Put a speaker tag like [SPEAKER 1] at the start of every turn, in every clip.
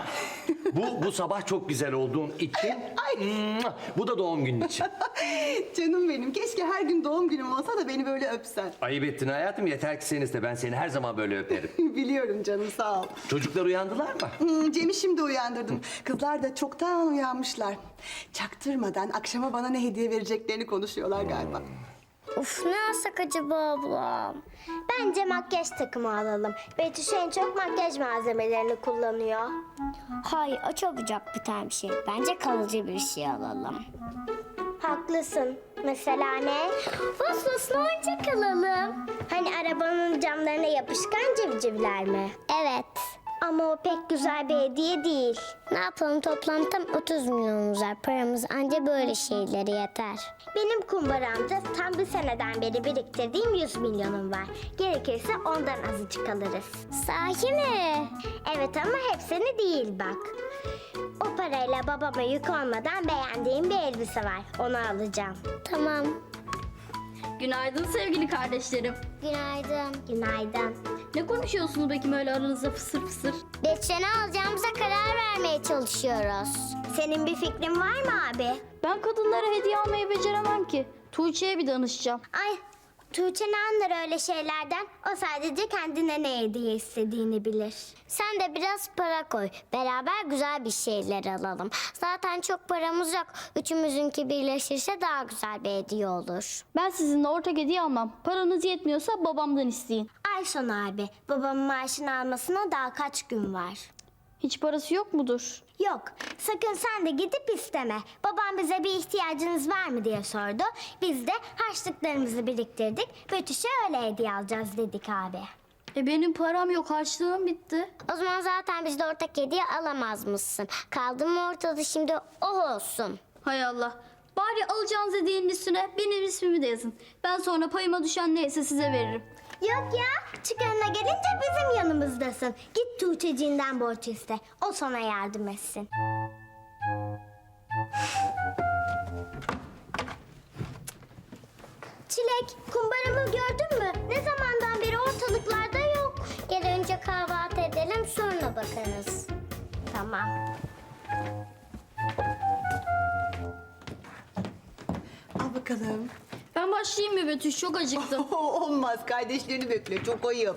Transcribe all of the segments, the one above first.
[SPEAKER 1] Bu sabah çok güzel olduğun için. Bu da doğum günün için.
[SPEAKER 2] Canım benim, keşke her gün doğum günüm olsa da beni böyle öpsen.
[SPEAKER 1] Ayıp ettin hayatım, yeter ki sen iste. Ben seni her zaman böyle öperim.
[SPEAKER 2] Biliyorum canım, sağ ol.
[SPEAKER 1] Çocuklar uyandılar mı?
[SPEAKER 2] Cem'i şimdi uyandırdım. Kızlar da çoktan uyanmışlar. Çaktırmadan akşama bana ne hediye vereceklerini konuşuyorlar galiba.
[SPEAKER 3] Of, ne alsak acaba ablam? Bence makyaj takımı alalım. Betüş en çok makyaj malzemelerini kullanıyor. Hayır, o çabucak biten bir şey. Bence kalıcı bir şey alalım. Haklısın. Mesela ne? Fosfoslu oyuncak alalım. Hani arabanın camlarına yapışkan civcivler mi? Evet. Ama o pek güzel bir hediye değil. Ne yapalım, toplam tam 30 milyonumuz var. Paramız anca böyle şeylere yeter. Benim kumbaramda tam bir seneden beri biriktirdiğim 100 milyonum var. Gerekirse ondan azıcık alırız. Sahi mi? Evet, ama hepsini değil bak. O parayla babama yük olmadan beğendiğim bir elbise var. Onu alacağım. Tamam.
[SPEAKER 4] Günaydın sevgili kardeşlerim.
[SPEAKER 3] Günaydın. Günaydın.
[SPEAKER 4] Ne konuşuyorsunuz bakayım öyle aranızda fısır fısır?
[SPEAKER 3] Betüş'e alacağımıza karar vermeye çalışıyoruz. Senin bir fikrin var mı abi?
[SPEAKER 4] Ben kadınlara hediye almayı beceremem ki. Tuğçe'ye bir danışacağım.
[SPEAKER 3] Ay, Tuğçe ne anlar öyle şeylerden? O sadece kendine ne hediye istediğini bilir. Sen de biraz para koy. Beraber güzel bir şeyler alalım. Zaten çok paramız yok. Üçümüzünki birleşirse daha güzel bir hediye olur.
[SPEAKER 4] Ben sizinle ortak hediye almam. Paranız yetmiyorsa babamdan isteyin.
[SPEAKER 3] Ay son abi, babamın maaşını almasına daha kaç gün var?
[SPEAKER 4] Hiç parası yok mudur?
[SPEAKER 3] Yok, sakın sen de gidip isteme. Babam bize bir ihtiyacınız var mı diye sordu. Biz de harçlıklarımızı biriktirdik. Betüş'e öyle hediye alacağız dedik abi.
[SPEAKER 4] Benim param yok, harçlığım bitti.
[SPEAKER 3] O zaman zaten biz de ortak hediye alamaz mısın? Kaldı mı ortada şimdi, oh olsun.
[SPEAKER 4] Hay Allah. Bari alacağınız hediyenin üstüne benim ismimi de yazın. Ben sonra payıma düşen neyse size veririm.
[SPEAKER 3] Yok ya, çıkarına gelince bizim yanımızdasın. Git Tuğçeciğinden borç iste. O sana yardım etsin. Çilek, kumbaramı gördün mü? Ne zamandan beri ortalıklarda yok. Gel önce kahvaltı edelim, sonra bakarız. Tamam.
[SPEAKER 2] Al bakalım.
[SPEAKER 4] Ben başlayayım mı Betüş? Çok acıktım.
[SPEAKER 2] Olmaz, kardeşlerini bekle, çok ayıp.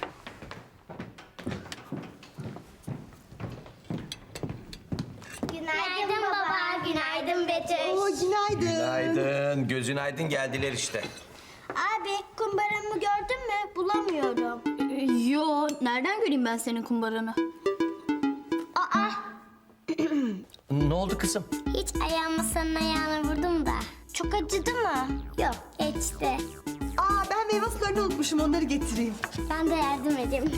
[SPEAKER 3] Günaydın baba, günaydın Betüş.
[SPEAKER 2] Günaydın.
[SPEAKER 1] Günaydın. Gözün aydın, geldiler işte.
[SPEAKER 3] Abi, kumbaramı gördün mü? Bulamıyorum.
[SPEAKER 4] Yo, nereden göreyim ben senin kumbaranı?
[SPEAKER 3] Aa,
[SPEAKER 1] Ne oldu kızım?
[SPEAKER 3] hiç ayağımı senin ayağına vurdum da. Çok acıdı mı? Yok, geçti.
[SPEAKER 2] Ben meyve sularını unutmuşum, onları getireyim.
[SPEAKER 3] Ben de yardım edeyim.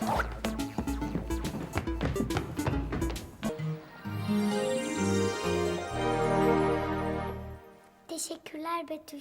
[SPEAKER 3] Teşekkürler Betüş.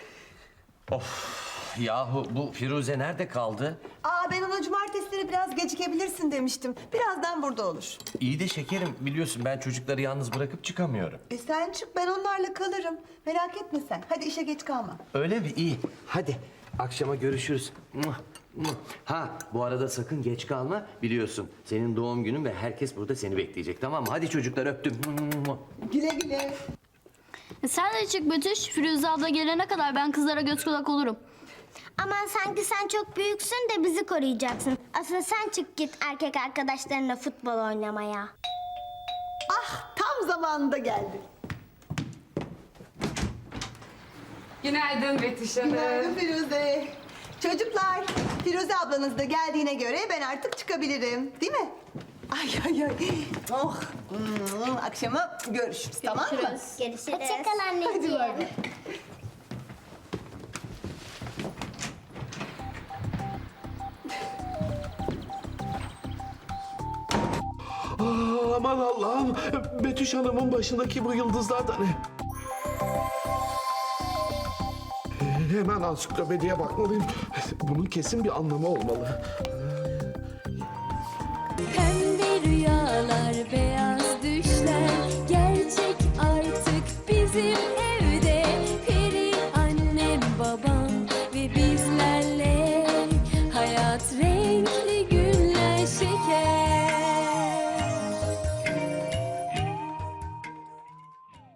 [SPEAKER 1] Yahu bu Firuze nerede kaldı?
[SPEAKER 2] Ben ona cumartesileri biraz gecikebilirsin demiştim. Birazdan burada olur.
[SPEAKER 1] İyi de şekerim, biliyorsun ben çocukları yalnız bırakıp çıkamıyorum.
[SPEAKER 2] Sen çık, ben onlarla kalırım. Merak etme sen. Hadi işe geç kalma.
[SPEAKER 1] Öyle mi? İyi. Hadi akşama görüşürüz. Ha, bu arada sakın geç kalma. Biliyorsun senin doğum günün ve herkes burada seni bekleyecek, tamam mı? Hadi çocuklar, öptüm.
[SPEAKER 2] Güle güle.
[SPEAKER 4] Sen de çık Betüş. Firuze abla gelene kadar ben kızlara göz kulak olurum.
[SPEAKER 3] Aman sanki sen çok büyüksün de bizi koruyacaksın. Aslında sen çık git erkek arkadaşlarınla futbol oynamaya.
[SPEAKER 2] Tam zamanında geldi.
[SPEAKER 5] Günaydın Betüş Hanım.
[SPEAKER 2] Günaydın Firuze. Çocuklar, Firuze ablanız da geldiğine göre ben artık çıkabilirim. Değil mi? Ay. Oh. Akşama görüşürüz, tamam mı?
[SPEAKER 3] Görüşürüz. Hoşçakal anneciğim.
[SPEAKER 2] Hadi bay bay.
[SPEAKER 6] Aman Allah'ım, Betüş Hanım'ın başındaki bu yıldızlar da ne? Hemen ansiklopediye bakmalıyım. Bunun kesin bir anlamı olmalı.
[SPEAKER 7] Pembe rüyalar